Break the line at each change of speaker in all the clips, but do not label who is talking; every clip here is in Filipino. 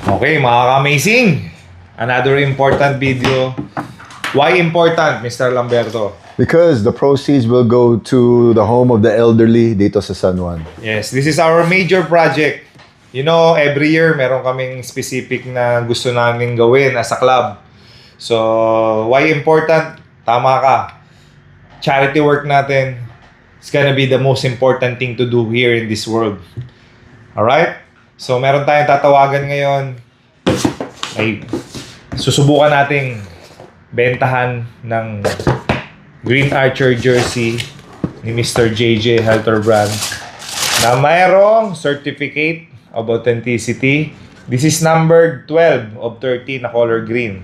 Okay, mga ka-amazing. Another important video. Why important, Mr. Lamberto?
Because the proceeds will go to the home of the elderly dito sa San Juan.
Yes, this is our major project. You know, every year meron kaming specific na gusto namin gawin as a club. So, why important? Tama ka. Charity work natin is gonna be the most important thing to do here in this world. Alright? So, meron tayong tatawagan ngayon. Ay, susubukan nating bentahan ng Green Archer jersey ni Mr. JJ Helterbrand na mayroong certificate of authenticity. This is numbered 12 of 30 na color green.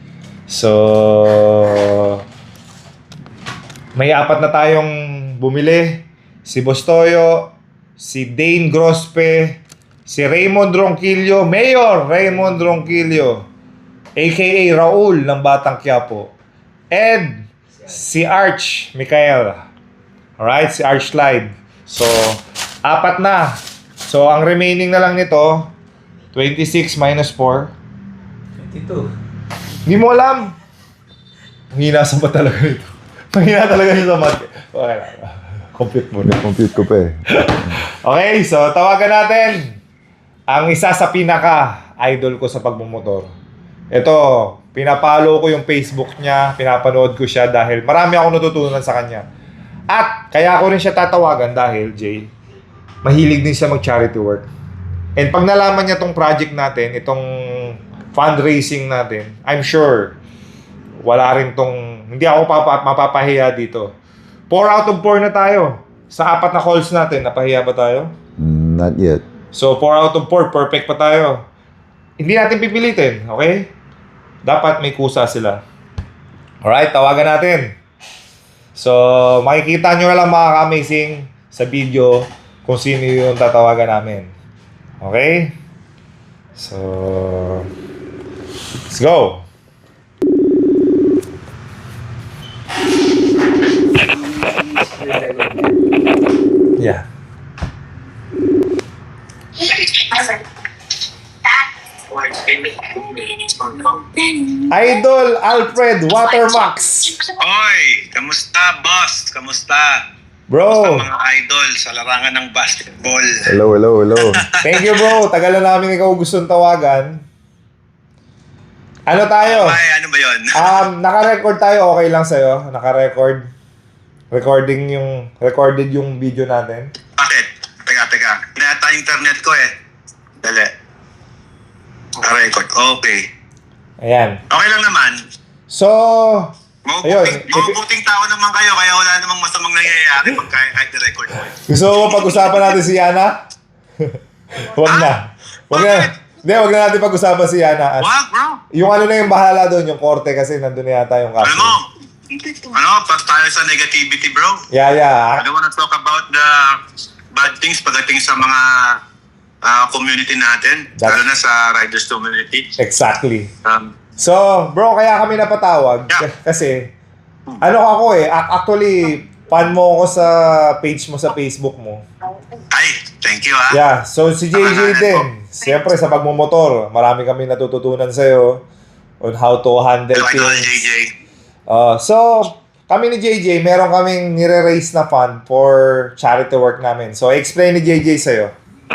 So, may apat na tayong bumili. Si Bostoyo, si Dane Grospe, si Raymond Ronquillo, Mayor Raymond Ronquillo, aka Raul ng Batang Quiapo, and si Arch Michael. Alright, si Arch Slide. So, apat na. So, ang remaining na lang nito, 26 minus 4.
22.
Hindi mo alam. Mahina sa ba talaga nito? Mahina talaga siya sa math. Okay lang. Compute mo na.
Compute ko pa eh.
Okay, so tawagan natin ang isa sa pinaka-idol ko sa pagmumotor. Ito, pinapalo ko yung Facebook niya, pinapanood ko siya dahil marami akong natutunan sa kanya. At kaya ko rin siya tatawagan dahil, Jay, mahilig din siya mag-charity work. And pag nalaman niya tong project natin, itong fundraising natin, I'm sure wala rin tong, hindi ako mapapahiya dito. 4 out of 4 na tayo. Sa 4 na calls natin, napahiya ba tayo?
Not yet.
So, 4 out of 4, perfect pa tayo. Hindi natin pipilitin, okay? Dapat may kusa sila. Alright, tawagan natin. So, makikita nyo na lang mga ka-amazing sa video kung sino yung tatawagan namin. Okay? So, let's go! Yeah. Idol Alfred Watermax.
Oy, kamusta boss? Kamusta?
Bro,
Mga idol sa larangan ng basketball.
Hello, hello, hello.
thank you bro. Tagal na namin ikaw gustong tawagan. Ano tayo?
Ay, ano ba yun?
Naka-record tayo, okay lang sa'yo? Naka-record? Recorded yung video natin?
Bakit? Teka. Hinata yung internet ko eh. Dali. Record. Okay.
Ayan.
Okay lang naman.
So, ayun.
Mabubuting tao naman kayo, kaya wala namang masamang nangyayari pag kahit i-record mo.
Gusto mo pag-usapan natin si Yana? Huwag na. Huwag na natin pag-usapan si Yana.
Wag, bro.
Yung ano na yung bahala doon, yung korte kasi nandun na yata yung kaso.
Pas tayo sa negativity, bro.
Yeah.
I don't wanna talk about the bad things pagdating sa mga community natin, lalo na sa riders community.
Exactly. So, bro, kaya kami napatawag kasi ano ako eh, actually fan mo ako sa page mo sa Facebook mo.
Ay, thank you ha.
Yeah, so si JJ din. Siyempre sa pagmumotor, marami kami natututunan sa'yo on how to handle
Idol
things.
JJ.
So, kami ni JJ, meron kaming nire-raise na fund for charity work namin. So, explain ni JJ sa'yo.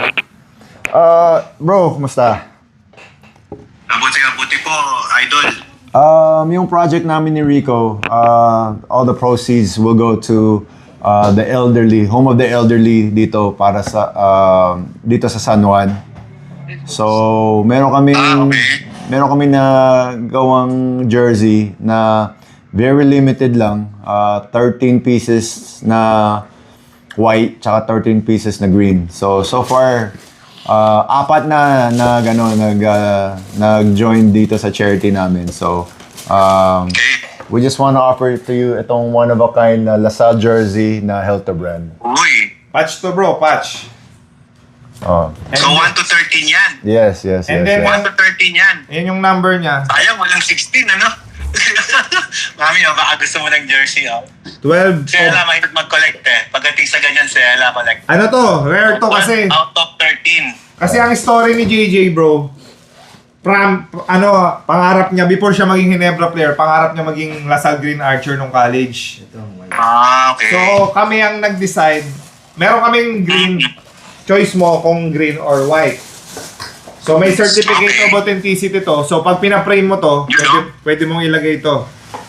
Bro, kumusta?
Mabuti po, idol.
Yung project namin ni Rico, all the proceeds will go to the elderly, home of the elderly dito para sa dito sa San Juan. So, meron kami na gawang jersey na very limited lang, 13 pieces na white tsaka 13 pieces na green. So far apat na gano'n nag-join dito sa charity namin. So we just want to offer to you itong one of a kind na LaSalle jersey na Helterbrand.
Uy.
Patch to bro, patch.
Oh.
So 1 to 13 yan.
Yes.
And then,
1 to 13 yan.
Yan yung number niya.
Sayang, walang 16, ano? Mami, baka gusto mo ng jersey, oh.
12.
Si Ella mahirap mag-collect eh. Pagdating sa ganyan, si Ella collect.
Ano to? Rare to kasi.
Out of 13.
Kasi ang story ni JJ bro, pangarap niya, before siya maging Ginebra player, pangarap niya maging LaSalle Green Archer nung college.
Okay.
So, kami ang nag-decide. Meron kaming green. Choice mo kung green or white. So, may certificate of authenticity to. So, pag pina-frame mo to, pwede mong ilagay ito.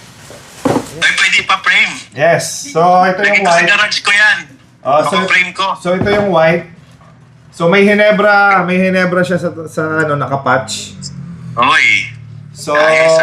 Ay, pwede pa frame.
Yes. So, ito
Lagi
yung
ko sa
white.
garage ko yan. Frame ko.
So, ito yung white. So, may Ginebra siya sa nakapatch.
Oy.
So,
Ayos,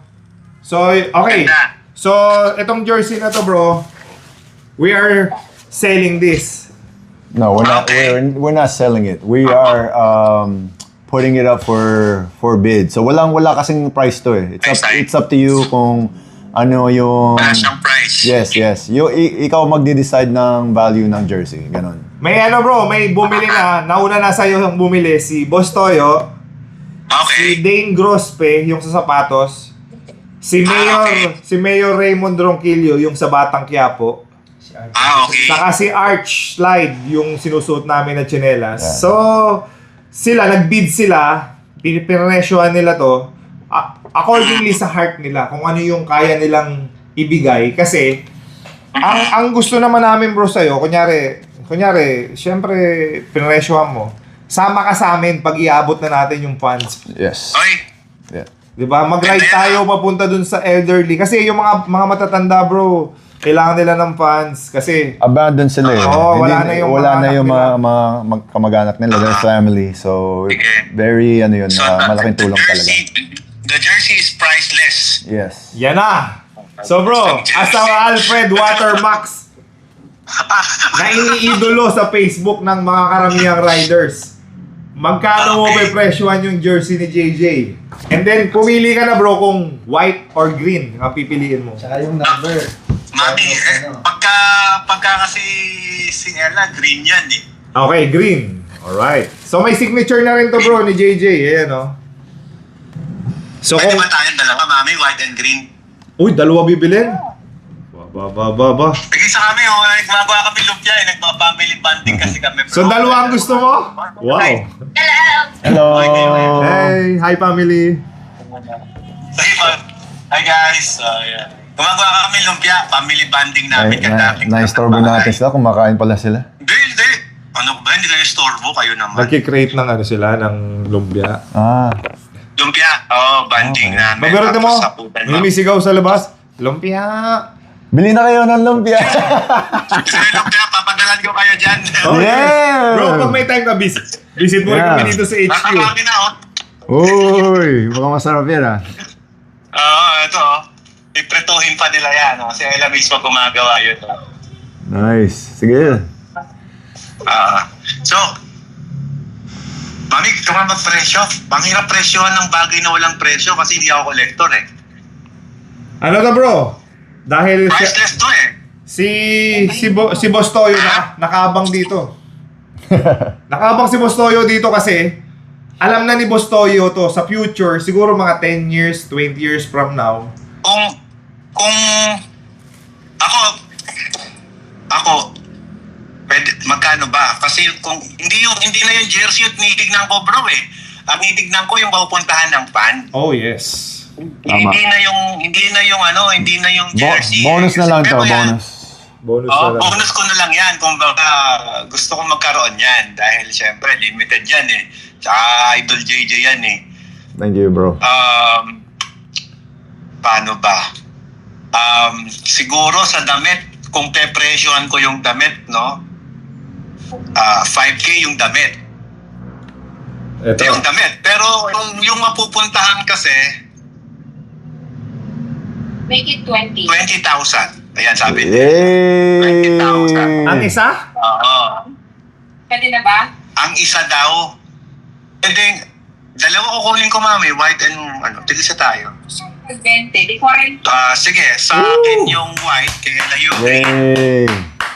okay.
Ganda.
So, itong jersey na to, bro, we are selling this.
No,
Okay.
we're not selling it. We are putting it up for bid. So wala kasing price to eh. It's up to you kung ano yung
Wala siyang price.
Yes. Ikaw magde-decide ng value ng jersey, ganun.
May may bumili na, nauna na sa'yo yung bumili, si Boss Toyo, si
Okay.
Dane Grospe, yung sa sapatos, si Mayor Raymond Ronquillo, yung sa Batang Quiapo,
Okay.
saka si Arch Slide, yung sinusuot namin na tsinelas.
Yeah.
So, nag-bid sila, pinipresyohan nila to, accordingly sa heart nila, kung ano yung kaya nilang ibigay. Kasi, ang gusto naman namin bro sa'yo, kunyari, syempre, pinresyohan mo, sama ka sa amin pag iabot na natin yung funds.
Yes.
Oy.
Yeah.
Diba? Mag-ride tayo papunta dun sa elderly. Kasi yung mga matatanda bro, kailangan nila ng funds. Kasi,
Abandon sila eh.
Oo, wala na yung mga anak
mga kamag-anak nila, their family. So,
Sige.
very,
So,
malaking tulong talaga.
The jersey is priceless.
Yes.
yan na! So bro, asawa Alfred Watermax na iniidolo sa Facebook ng mga karamihang riders. Magkano mo
Okay.
presyohan yung jersey ni JJ? And then, pumili ka na bro kung white or green ang pipiliin mo.
Tsaka yung number.
Mami, pagka kasi si Ella, green yan eh.
Okay, green. Alright. So may signature na rin to bro ni JJ. Ayan o. So
Pwede
kung...
ba tayong dalawa, mami, white and green?
Uy, dalawa bibilin? Ba.
Sige sa kami, nagmagawa kami lumpia eh. Nagpa-family bonding kasi kami.
So dalawa ang gusto mo? Wow.
Hello!
Hey, hi family.
Sige po. Hi guys. Yeah. Gumagawa kami lumpia, family bonding namin.
Na-istorbo natin sila, kumakain pala sila.
Hindi. Ano ba? Hindi kayo istorbo, kayo naman.
Nagki-create ng sila, ng lumpia.
Lumpia, banding namin.
Mabirote mo,
Tapos saputan mo.
lumisigaw sa labas. Lumpia.
Bili na kayo ng lumpia!
Gusto nyo lumpia, papadalan ko kayo dyan.
Oh,
Yeah!
Bro, pag may time ka, visit mo rin
Yeah.
kami dito sa HQ.
Nakakami na,
Uy, mukhang masarap yan ah.
Ito, ipretuhin pa nila yan. Kasi Ella mismo gumagawa yun.
Nice. Sige.
So, mami, ito nga mag-presyo. Panghirap presyohan ng bagay na walang presyo kasi hindi ako collector eh.
Ano to bro? Dahil
Priceless to eh.
si Boss Toyo nakaabang dito. Nakaabang si Boss Toyo dito kasi alam na ni Boss Toyo to sa future, siguro mga 10 years, 20 years from now.
Kung ako pwede, magkano ba? Kasi kung hindi na yung jersey yung tinitignan ko bro eh. Ang tinitignan ko yung mapupuntahan ng fan.
Oh yes.
Hindi na yung jersey.
Bonus na lang to,
Pero yan,
bonus.
Bonus na lang.
bonus ko na lang yan kung baka gusto ko magkaroon yan dahil syempre limited yan eh. Tsaka Idol JJ yan eh.
Thank you, bro.
Paano ba? Siguro sa damit, kung pepresyohan ko yung damit, no? 5K yung damit.
Ito.
Yung damit. Pero yung mapupuntahan kasi,
Make it 20.
20,000. Ayan, sabi niya.
Yay!
20,000.
Ang isa?
Oo.
Pwede na ba?
Ang isa daw, dalawa kukunin ko, mami. White and, tigisa tayo.
20. Di 40.
Sige, sa akin yung white, kaya na yung
Yay!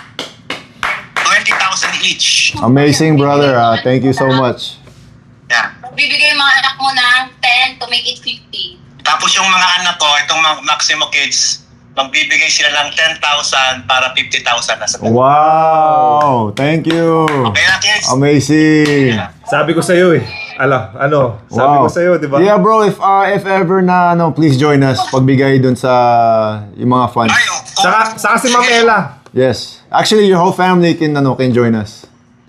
20,000 each.
Amazing, brother. Thank you so much.
Yeah.
Bibigay yung mga anak mo ng 10 to make it 50.
Tapos yung mga anak ko, itong mga Maximo Kids, magbibigay sila ng 10,000 para 50,000 na sa dalawa.
Wow! Thank you!
Okay na, kids?
Amazing!
Sabi ko sa'yo eh. Ano, sabi ko sa'yo, di ba?
Yeah, bro, if ever na, please join us. Pagbigay dun sa yung mga funds.
Ay,
Saka si Ma'am Ella.
Yes. Actually, your whole family can join us.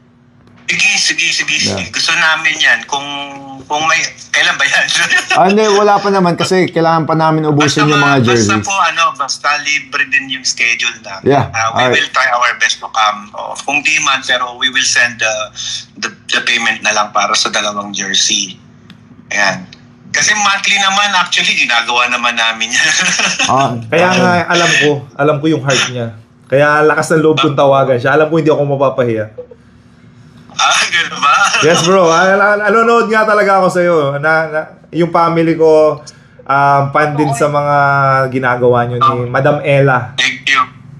Sige.
Yeah.
Gusto namin yan. Kung may, kailan ba yan?
Hindi, wala pa naman kasi kailangan pa namin ubusin yung mga jerseys.
Basta libre din yung schedule namin.
Yeah,
We
alright.
will try our best to come. Kung di man, pero we will send the payment na lang para sa dalawang jersey. Ayan. Kasi monthly naman, actually, ginagawa naman namin yan.
Kaya nga, alam ko yung heart niya. Kaya lakas ng loob kong tawagan siya. Alam ko hindi ako mapapahiya.
Gano'n ba?
Yes, bro. Nanonood nga talaga ako sa'yo. Yung family ko, fan din sa mga ginagawa nyo ni Madam Ella.
Thank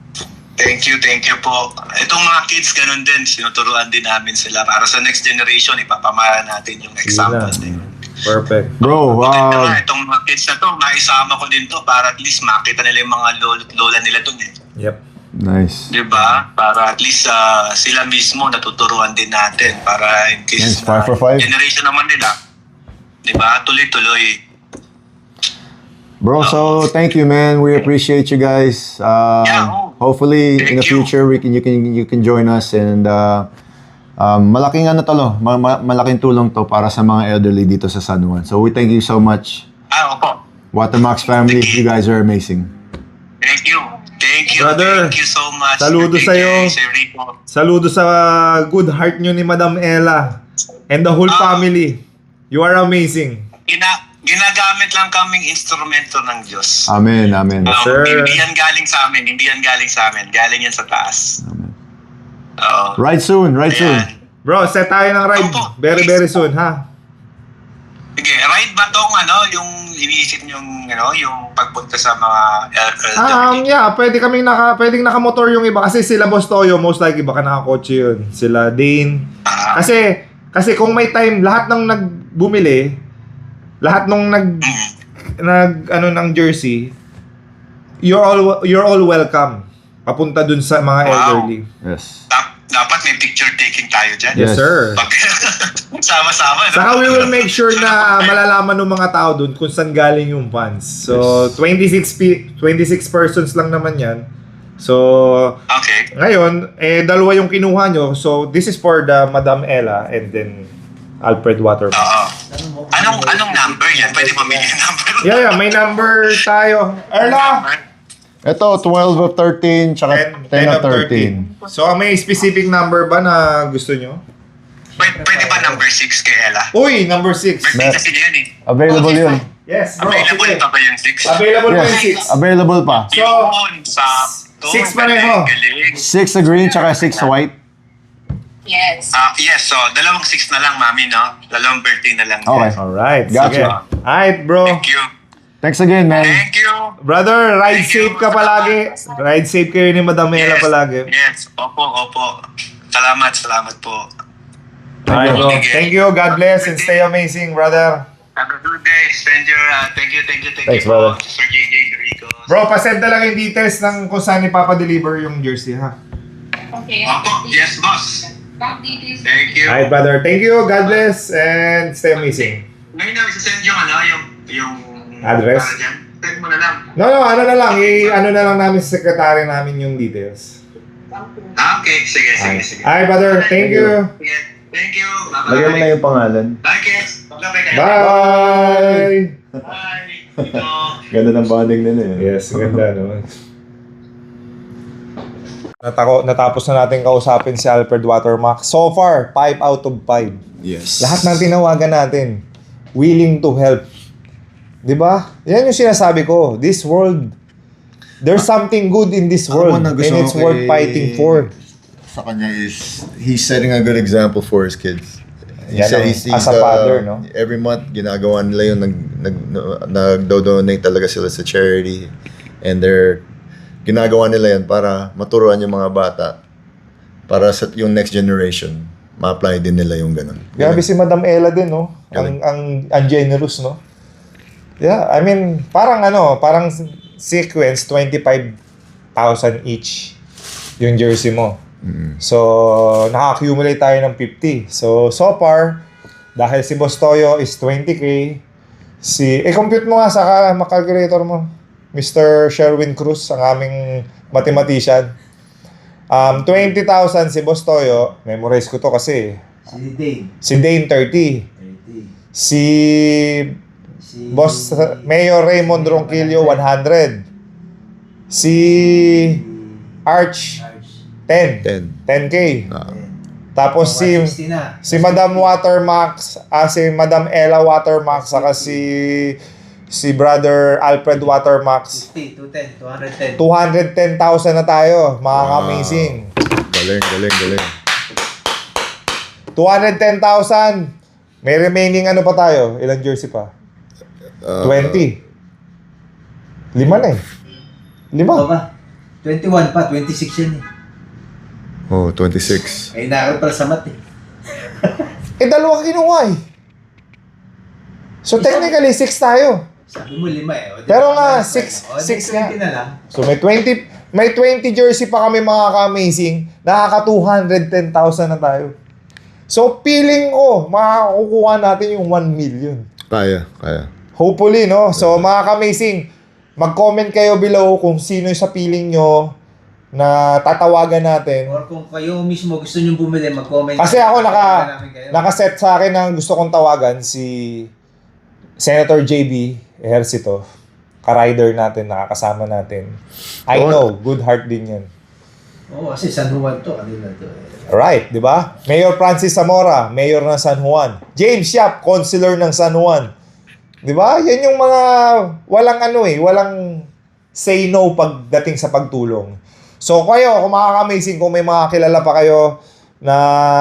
you po. Itong mga kids, ganun din. Sinuturuan din namin sila. Para sa next generation, ipapamara natin yung example din.
Perfect.
Bro,
Maganda nga, itong mga kids na to, maisama ko din to para at least makita nila yung mga lola nila dun eh.
Yep.
nice.
Diba? Para at least sila mismo natuturuan din natin para in case
Yes, 5 for 5.
generation naman nila. Diba? Tuloy-tuloy.
Bro, so thank you, man. We appreciate you guys. Hopefully, in the
Thank you.
future, you can join us and malaking malaking tulong to para sa mga elderly dito sa San Juan. So we thank you so much.
Opo.
Watermax family, you guys are amazing.
Thank you.
Brother,
Thank you so much.
saludo
Thank
sa'yo.
you, Sir Rico.
Saludo sa good heart nyo ni Madam Ella and the whole family. You are amazing.
Ginagamit lang kaming instrumento ng Diyos.
Amen, amen.
Sir.
Hindi yan galing sa amin. Galing yan sa taas. Oo.
Right soon.
Ayan.
Bro, set tayo ng ride.
Opo.
Very, very soon, ha?
Sige, ride ba tong yung iniisip yung yung pagpunta sa mga elderly?
Yeah, pwedeng nakamotor yung iba kasi sila Boss Toyo, most likely baka nakakotse yun. Sila Dane. Kasi kung may time, lahat ng nagbumili, lahat nung ng jersey, you're all welcome. Papunta dun sa mga elderly.
Yes.
Dapat may picture taking tayo dyan.
Yes, sir.
Pag sama-sama. No?
Saka we will make sure na malalaman ng mga tao dun kung saan galing yung fans. So, 26 persons lang naman yan. So,
Okay.
ngayon, dalawa yung kinuha nyo. So, this is for the Madam Ella and then Alfred Waterman.
Oo. Anong number yan? Pwede pamili yung number?
Yeah, may number tayo. Erla!
Ito, 12 of 13, tsaka 10 of 13.
So, may specific number ba na gusto nyo?
Pwede ba number 6 kay Ella?
Uy, number 6.
Birthday kasi niya yun eh.
Available yun.
Yes, bro.
Available
Sige.
pa ba yung 6?
Available po yung 6.
Available pa.
So,
Yun, sakto.
6 pareho.
Galing.
6 sa green, tsaka 6 sa white.
Yes.
Yes, so dalawang 6 na lang, mami, no? Dalawang birthday na lang.
Okay.
Alright,
Gotcha.
sige. Alright, bro.
Thank you.
Thanks again, man.
Thank you.
Brother, ride
Thank you.
safe ka palagi. Ride safe kayo ni Madam Ella palagi.
Yes, opo. Salamat po.
Alright, bro.
Sige.
Thank you. God bless and stay amazing, brother.
Have a good day, stranger. Thank you
Thanks,
po,
brother.
Sir JJ Rico.
Bro, pasend na lang yung details ng kung saan ipapa-deliver yung jersey, ha?
Okay.
Opo, yes, boss.
Bank details.
Thank you.
Alright, brother. Thank you. God bless and stay amazing.
Ngayon na, isasend yung
Address?
para dyan. Send mo na lang.
No, ano na lang. Ano na lang namin sa secretary namin yung details.
Okay, sige.
Alright, brother. Thank you.
Sige. Thank you.
Lagyan mo na yung pangalan.
Bye, kids. Bye-bye kayo.
Bye!
Bye. Ito.
Ganda ng bonding nila eh.
Yes, ganda naman. Natapos na natin kausapin si Alfred Watermack. So far, 5 out of 5.
Yes.
Lahat ng tinawagan natin, willing to help. 'Di ba? Yan yung sinasabi ko. This world, there's something good in this world
Ano
and it's worth fighting for.
Sa kanya is, he's setting a good example for his kids. He
Yan
said
ang-
he's,
as a father, no?
Every month, ginagawa nila yung nag-donate talaga sila sa charity. And ginagawa nila yan para maturuan yung mga bata para sa yung next generation, ma-apply din nila yung ganun.
Grabe si Madam Ella din, no?
Galing.
Ang generous, no? Yeah, I mean, parang sequence, 25,000 each yung jersey mo. So, naka-accumulate tayo ng 50. So far, Dahil si Boss Toyo is 20K. compute mo nga sa calculator mo. Mr. Sherwin Cruz, ang aming mathematician. 20,000 si Boss Toyo. Memorize ko to kasi.
Si Dane.
Si Dane, 30.
30.
Si
Si
Boss Mayor Raymond Ronquillo, 100. Si Arch,
Arch.
10. 10K. Tapos si
160 na.
Madam Watermax, si Madam Ella Watermax, saka si Brother Alfred Watermax.
50, 210, 210.
210,000 na tayo, mga
Wow.
amazing.
Galing.
210,000. May remaining ano pa tayo? Ilang jersey pa? 20. 5 na eh. 5.
Ito ba? 21 pa, 26 yan eh.
Oh, 26.
Ay, nakakal pala sa mat eh.
Dalawa kinuha eh. So technically, 6 tayo.
Sabi mo 5 eh. O, di
Pero nga,
ba?
6
O, di
6 nga.
20 na lang.
So may 20 jersey pa kami, mga ka-amazing. Nakaka 210,000 na tayo. So feeling ko, makakukuha natin yung 1 million.
Kaya.
Hopefully, no? So mga ka-amazing, mag-comment kayo below kung sino sa feeling nyo na tatawagan natin.
Or kung kayo mismo gusto nyo bumili, mag-comment.
Kasi ako
Tawagan namin kayo.
nakaset sa akin na gusto kong tawagan si Senator JB Ejercito, ka-rider natin, nakakasama natin. I know, good heart din yan.
Oo, kasi San Juan to, kanila to.
Right, di ba? Mayor Francis Zamora, Mayor ng San Juan. James Yap, Councilor ng San Juan. Di ba? Yan yung mga walang say no pagdating sa pagtulong. So kayo, kung makaka-amazing, kung may mga kilala pa kayo na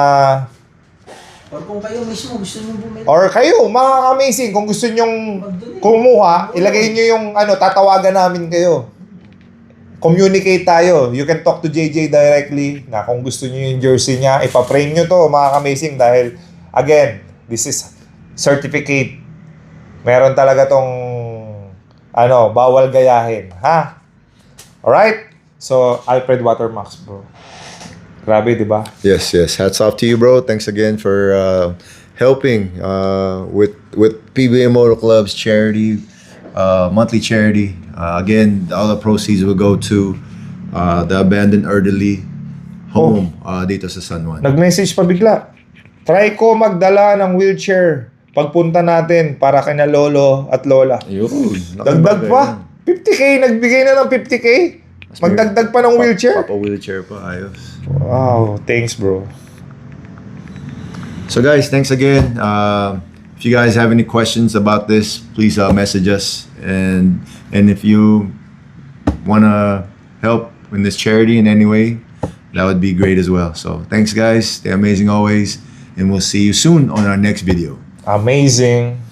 Or kung kayo mismo gusto nyo bumili.
or kayo, makaka-amazing, kung gusto nyong kumuha, ilagay nyo yung tatawagan namin kayo. Communicate tayo. You can talk to JJ directly na kung gusto nyo yung jersey niya, ipa-frame nyo to, makaka-amazing, dahil again, this is certificate. Meron talaga tong bawal gayahin, ha? Alright? So, Alfred Watermax, bro. Grabe, di ba?
Yes. Hats off to you, bro. Thanks again for helping with PBA Motor Club's charity, monthly charity. Again, all the proceeds will go to the abandoned elderly home dito sa San Juan.
Nag-message pa bigla. Try ko magdala ng wheelchair pagpunta natin para kina lolo at lola. Dagdag pa. 50K, nagbigay na ng 50K. Magdagdag pa ng wheelchair.
Papa wheelchair pa, ayos.
Wow, thanks bro.
So guys, thanks again. If you guys have any questions about this, please message us. And if you wanna help in this charity in any way, that would be great as well. So thanks guys, stay amazing always, and we'll see you soon on our next video.
Amazing.